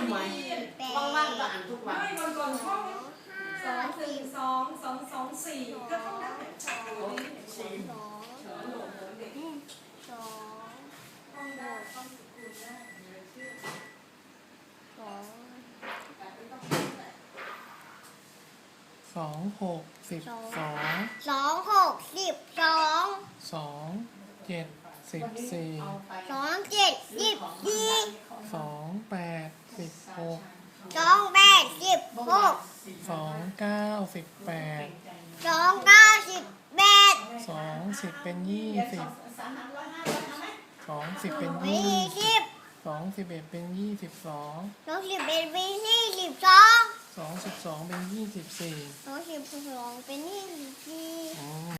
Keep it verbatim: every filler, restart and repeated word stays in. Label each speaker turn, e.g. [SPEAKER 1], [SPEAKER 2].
[SPEAKER 1] ำไมว่างๆก็อ่านทุกวัน
[SPEAKER 2] ไม่วันก่อนท่องสองหนึ่งสองสองสองสี่ก็ท่องได้สองสองสี่สองสองสองท่องได้ท่องสกุลได้สอง
[SPEAKER 3] สองหกสิบสอง
[SPEAKER 4] สองหกสิบสอง
[SPEAKER 3] สองเจ็ดสิบสี่
[SPEAKER 4] สองเจ็ดสิบสี่
[SPEAKER 3] สองแปดสิบหก
[SPEAKER 4] สองแปดสิบหก
[SPEAKER 3] สองเก้าสิบแปด
[SPEAKER 4] สองเก้าสิบแปด
[SPEAKER 3] สองสิบเป็นยี่สิบสองสิบเป็น
[SPEAKER 4] ยี่
[SPEAKER 3] ยี่
[SPEAKER 4] สิบ
[SPEAKER 3] สองสิบเอ็ดเป็นยี่สิบสอง
[SPEAKER 4] สองสิบเอ็ดเป็นยี่สิบสอง
[SPEAKER 3] สองสิบสองเป็นยี่สิบสี่
[SPEAKER 4] สองสิบสองเป็นยี่สิบ